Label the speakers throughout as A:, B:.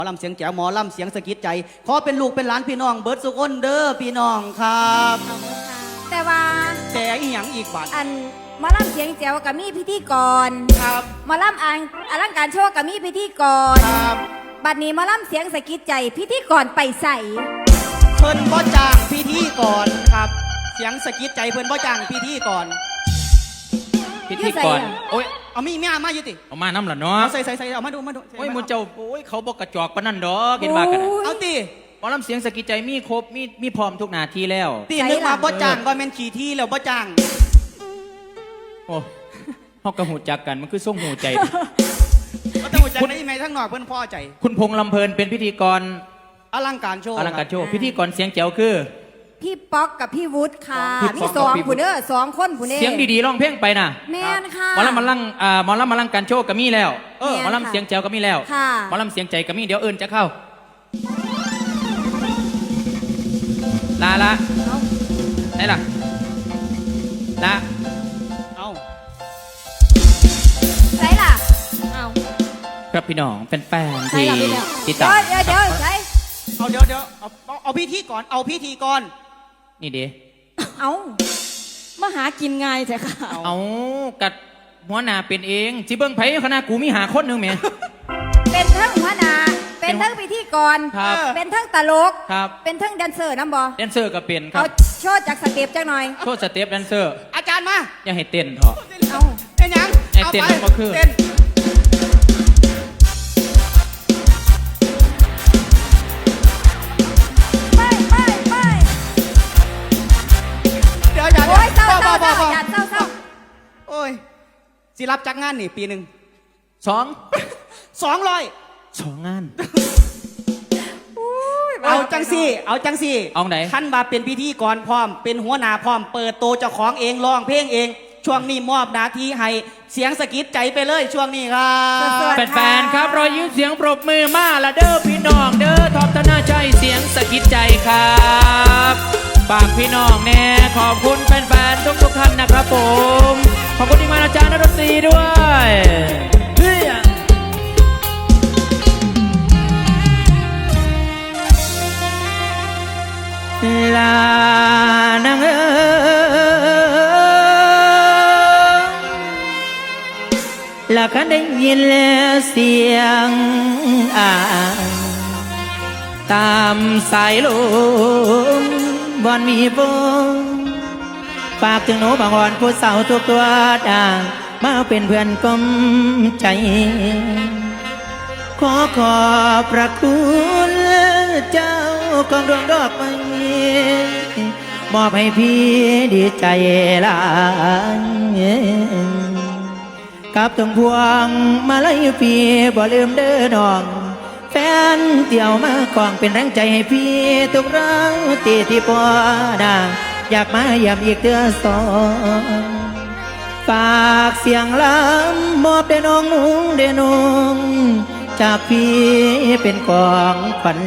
A: อลำเสียงแจ๋วหมอลำเสียงสะกิดใจขอเป็นลูกเป็นหลานพี่น้องเบิร์ดสุกคนเด้อพี่น้องครับ
B: แต่ว่า
A: แต่อีหยังอีกบัด
B: อันมาล่ำเสียงแจ๋วกับมีพิธีกร
A: ครับ
B: มาล่ำอลังการโชว์กับมีพิธีกร
A: ครับ
B: บัดนี้มาล่ำเสียงสะกิดใจพิธีกรไปใส่
A: เพิ่นบ่จ้างพิธีกรครับเสียงสะกิดใจเพิ่นบ่จ้างพิธีกร
C: พิธีกรโอ้ย
A: เอามีมาอยู่ติ
C: เอามาน้ำหล่ะเนาะ
A: ใส่เอามาดู
C: โอ้ยมุนเจ้าโอ้ยเขาบอกกระจอกปะนั่นดอกกินว่ากัน
A: เอาติ
C: หมอลำเสียงสะกิดใจมีครบมีพร้อมทุกนาทีแล้ว
A: ตีนึกมาบ่จ้างว่าแม่นขี่ที่แล้วบ่จ้าง
C: โอ้เฮากระหูจักกันมันคือส่งหูใจ
A: ก็ต้องหูจักได้ยังไงทั้งนอกเพิ่นพอใจ
C: คุณพงษ์ลำเพลินเป็นพิธีกร
A: อลังการโชว์
C: พิธีกรเสียงแจ๋วคือ
B: พี่ป๊อกกับพี่วุฒิค่ะมี2ผู้เด้อ2คนผู้เด้
C: เสียงดีๆร้องเพลงไปน่ะ
B: แม่นค่ะ
C: หมอลำมาลังการโชว์ก็มีแล้วหมอลำเสียงแจ๋วก็มีแล้วหมอลำเสียงใจก็มีเดี๋ยวเอิญจะเข้าลาละไหนล่ะละ
A: เอา
B: ไหนล่ะเอา
C: ครับพี่น้องเป็นแฟนที่ติดตาม
B: เดี๋ยวใช่
A: เดี๋ยวเอาพิธีก่อนเอาพิธีก่อน
C: นี่เด้
B: เอามาหากินง่ายใช่ค่ะ
C: เอากัดหัวหน้าเป็นเองจิเบิ้งไผ่คณะกูมีหาคนหนึ่งเมีย
B: เป็นทั้งหัวหน้าเป็นทั้งพิธีกรเป็นทั้งตลกเป็นทั้งแดนเซอร์น้ำบอ
C: แดนเซอร์ก็เป็นครับ
B: เอาโชว์จากสเต็ปจังหน่อย
C: โชว์สเต็ปแดนเซอร์
A: อาจารย์มา
C: อย่าให้เต้นเถอะ
B: เอา
A: เป็นยัง
C: ให้เต้นก็คือ
B: โอ้ยเศร้า
A: โอ้ยสิรับจักงานนี่ปีหนึ่ง200
C: งาน
A: เอาจังสี่
C: เอาไหน
A: ขั้นมาเป็นพิธีกรพร้อมเป็นหัวหน้าพร้อมเปิดโตเจ้าของเองร้องเพลงเองช่วงนี้มอบหน้าที่ให้เสียงสะกิดใจไปเลยช่วงนี้ครับ
C: แฟนๆครับรอยยิ้มเสียงปรบมือมาละเด้อพี่น้องเด้อท็อปธนาชัยเสียงสะกิดใจครับฝากพี่น้องแน่ขอบคุณแฟนๆทุกท่านนะครับผมขอบคุณที่มาอาจารย์นรศรีด้วยลานางละคันได้ยินเสียงตามสายลมบอนมีฝนฝากถึงหนูบางวันผู้สาวทุกตัวด่างมาเป็นเพื่อนกลมใจขอบพระคุณเจ้าของดวงดอกไม้มอบให้พี่ดีใจหลายกับทั้งพวงมาลัยพี่บ่ลืมเด้อน้องแฟนเตี่ยวมาของเป็นแรงใจให้พี่ทุกครั้งที่พอด่างอยากมาเยี่ยมอีกเดือน2ฝากเสียงลำมอบเด้อน้องเด้อน้องจากพี่เป็นของขวัญ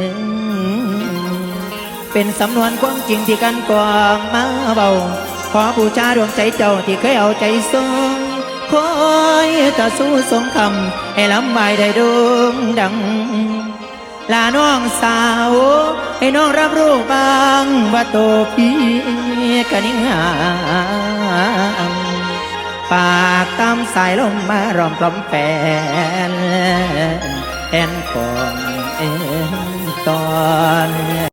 C: เป็นสำนวนความจริงที่กันกองมาเบาขอบูชาดวงใจเจ้าที่เคยเอาใจส่งคอยต่อสู้สงคำให้ลำบายได้ดงดังลาน้องสาวให้น้องรับรู้บ้างว่าโตพี่กันนิ่งหามปากตามสายลมมารอมกล่อมแฟนแอนของตอน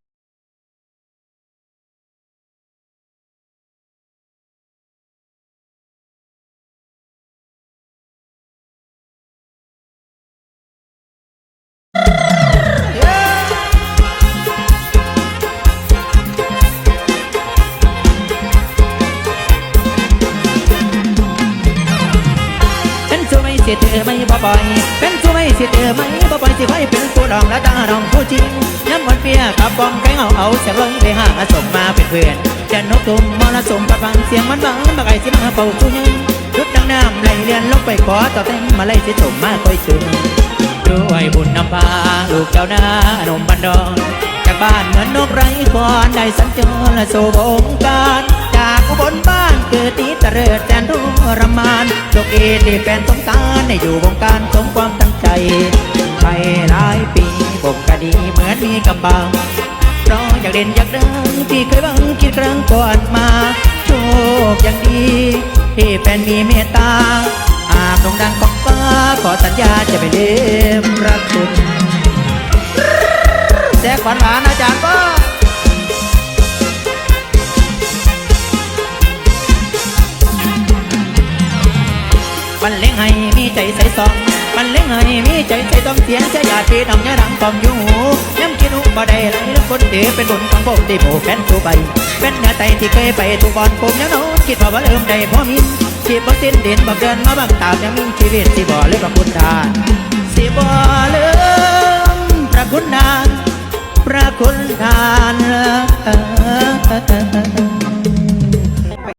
C: สิเธอไม่บ่บ่อยเป็นสู้ไม่สิเธอไม่บ่บ่อยสิไว้เป็นผู้ดองและตาดองผู้จริงย้ำวันเปียกับบองแกงเอาเสียงลงไปหาส่งมาเป็นเพื่อนจะนกตุ่มมรสุมประพันเสียงมันบังบักไอสิมาเป่าตู้ยังรุดดังน้ำไหลเลียนลงไปขอต่อแต่งมาไล่สิส่งมาคอยจุ่มด้วยบุญนำพาลูกเจ้าหน้าหนุ่มบันดอนจากบ้านเหมือนนกไร้คอนได้สัญจรและสู่วงการจากอุบลบ้านเกิดตีตะเริดแสนทรมานโชคดีที่แฟนสงสารได้อยู่วงการสมความตั้งใจไปหลายปีผมก็ดีเหมือนมีกำบังเพราะอยากเด่นอยากดังที่เคยบังคิดครั้งก่อนมาโชคยังดีที่แฟนมีเมตตาอาบดงดังของฟ้าขอสัญญาจะไม่ลืมรักคุณแจกหวานๆอาจารย์ก็มันเลี้ยงให้มีใจใส่ซองมันเลี้ยงให้มีใจใส่ต้องเสียงเสียหยาดพี่น้องยาดังความอยู่หูย้ำกินอุบ่ได้ไหลแล้วคนเดีเป็นบุญของผมที่โผแฟนตัวไปเป็นเนื้อไตที่เคยไปทุกบอลผมยังโน้คิดว่าเริ่มได้พอมินชีพบ่สิ้นเด่นบ่เดินมาบังตายังมีชีวิตที่บ่เลยพระคุณทานสิบ่ลืมพระคุณทานพระคุณทาน